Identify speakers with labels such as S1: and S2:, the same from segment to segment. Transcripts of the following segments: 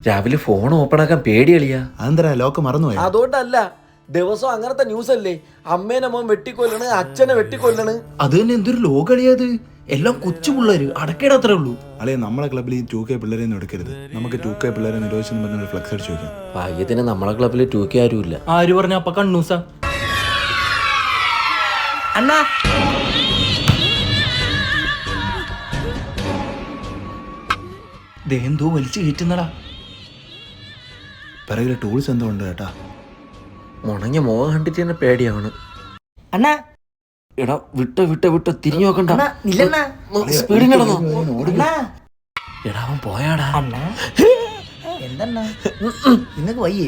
S1: രാവിലെ phone open ആക്കാൻ പേടിയളിയാ.
S2: അതെന്തരാ lock മറന്നുപോയി?
S1: അതുകൊണ്ടല്ല, ദിവസം അങ്ങനത്തെ ന്യൂസ് അല്ലേ. അമ്മേനെ മോൻ വെട്ടിക്കൊല്ലണ്, അച്ഛനെ വെട്ടിക്കൊല്ലണ്.
S2: അത് തന്നെ എന്തൊരു ലോകളിയത്. എല്ലാം കൊച്ചു പിള്ളേര് അടക്കേടത്രേ ഉള്ളൂ. അല്ലെ നമ്മളെ ക്ലബ്ബിൽ ഈ 2K പിള്ളേരെ ഒന്നും എടുക്കരുത്. നമുക്ക് 2K പിള്ളേരെ നിരോധിച്ചെന്ന് പറഞ്ഞ ഫ്ലെക്സ് അടിച്ചു വെക്കാം.
S1: ഭാഗ്യത്തിന് നമ്മളെ ക്ലബ്ബിൽ 2K ആരുമില്ല.
S3: ആര് പറഞ്ഞ അപ്പൊ കണ്ണൂസ അണ്ണാ
S2: എന്തോ വലിച്ചു കയറ്റുന്നടാ. പിറകില് ടൂൾസ് എന്തോ ഉണ്ട് കേട്ടാ.
S1: മുണങ്ങിയ മുഖം കണ്ടിട്ട് തന്നെ പേടിയാണ്.
S3: അണ്ണാ
S1: എടാ വിട്ടോ തിരിഞ്ഞു നോക്കണ്ട.
S3: സ്പീഡിൽ നടന്നോ
S1: എടാ അവൻ പോയാടാ.
S3: അണ്ണാ എന്തണ്ണാ നിങ്ങക്ക് വയ്യേ?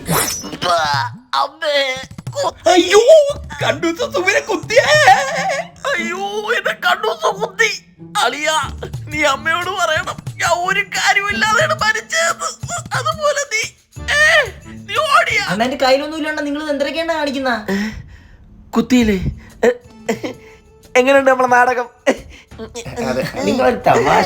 S1: അയ്യോ കണ്ണൂസ സുമിനെ കുത്തിയേ. അയ്യോ എന്നെ കണ്ണൂസ കുത്തി. അളിയാ നീ അമ്മയോട് പറയണം, ഞാൻ ഒരു കാര്യമില്ലാതെയാണ് മരിച്ചത്. അതുപോലെ നീ ഓടിയാ.
S3: അണ്ണാ എന്റെ കയ്യിലൊന്നും ഇല്ലണ്ട. നിങ്ങൾ എന്തൊക്കെയാണ് കാണിക്കുന്ന?
S1: കുത്തിയില്ലേ? എങ്ങനെയുണ്ട് നമ്മളെ നാടകം?
S3: നിങ്ങളൊരു തമാശ.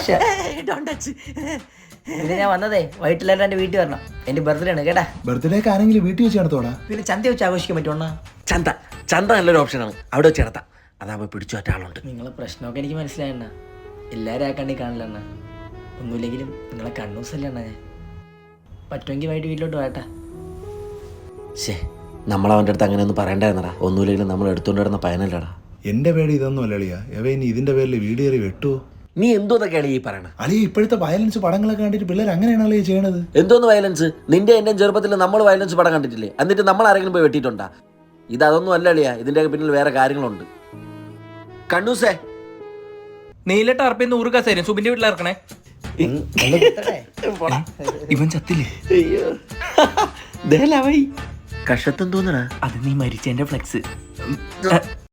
S3: പിന്നെ ഞാൻ വന്നതേ വൈകിട്ടെല്ലാവരും എന്റെ വീട്ടിൽ വരണം. എന്റെ ബർത്ത്ഡേ ആണ് കേട്ടാ.
S2: ബർത്ത്ഡേക്ക് ആരെങ്കിലും വീട്ടിൽ വെച്ച് നടത്തോടാ.
S3: പിന്നെ ചന്ത വെച്ച് ആഘോഷിക്കാൻ പറ്റുമോ?
S1: ചന്ത നല്ലൊരു ഓപ്ഷനാണ്. അവിടെ വെച്ച് നടത്താം. അതാവുമ്പോ പിടിച്ചു പറ്റ ആളുണ്ട്.
S3: നിങ്ങളെ പ്രശ്നമൊക്കെ എനിക്ക് മനസ്സിലായണ്ണ. എല്ലാവരും ആ കണ്ണി കാണില്ല അണ്ണ. ഒന്നുമില്ലെങ്കിലും നിങ്ങളെ കണ്ണൂസല്ലേ അണ്ണ. ഞാൻ പറ്റുമെങ്കിൽ വൈകിട്ട് വീട്ടിലോട്ട് വേട്ടാ.
S1: ശേ നമ്മളവൻ്റെ അടുത്ത് അങ്ങനെ ഒന്നും പറയണ്ടായിരുന്നടാ. ഒന്നുമില്ലെങ്കിലും നമ്മൾ എടുത്തുകൊണ്ട് വരുന്ന പയനല്ലടാ.
S2: എന്റെ പേടി ഇതൊന്നും അല്ലളിയാ. എവ ഇനി ഇതിന്റെ പേരിൽ വീടേറി വെട്ടുവോ?
S1: നീ എന്തോന്നൊക്കെയാണ് ഈ പറയണത്?
S2: അളിയ ഇപ്പോഴത്തെ വയലൻസ് പടങ്ങളൊക്കെ കണ്ടിട്ട് പിള്ളേർ അങ്ങനെയാണല്ലേ ചെയ്യണത്.
S1: എന്തോന്ന് വയലൻസ്? നിന്റെ എന്റെ ചെറുപ്പത്തിൽ നമ്മൾ വയലൻസ് പടം കണ്ടിട്ടില്ലേ? എന്നിട്ട് നമ്മൾ ആരെങ്കിലും പോയി വെട്ടിയിട്ടുണ്ടാ? ഇതൊന്നും അല്ല അളിയാ. ഇതിന്റെ പിന്നിൽ വേറെ കാര്യങ്ങളുണ്ട്. കണ്ണൂസേ
S3: നീല ടാർപ്പിന്ന് 100 കസേര സുബിന്റെ വീട്ടിൽ ഇറക്കണേ.
S2: ഇവൻ ചത്തില്ലേ?
S1: കഷത്തും തോന്നണ.
S3: അത് നീ മരിച്ചതിന്റെ ഫ്ലെക്സ്.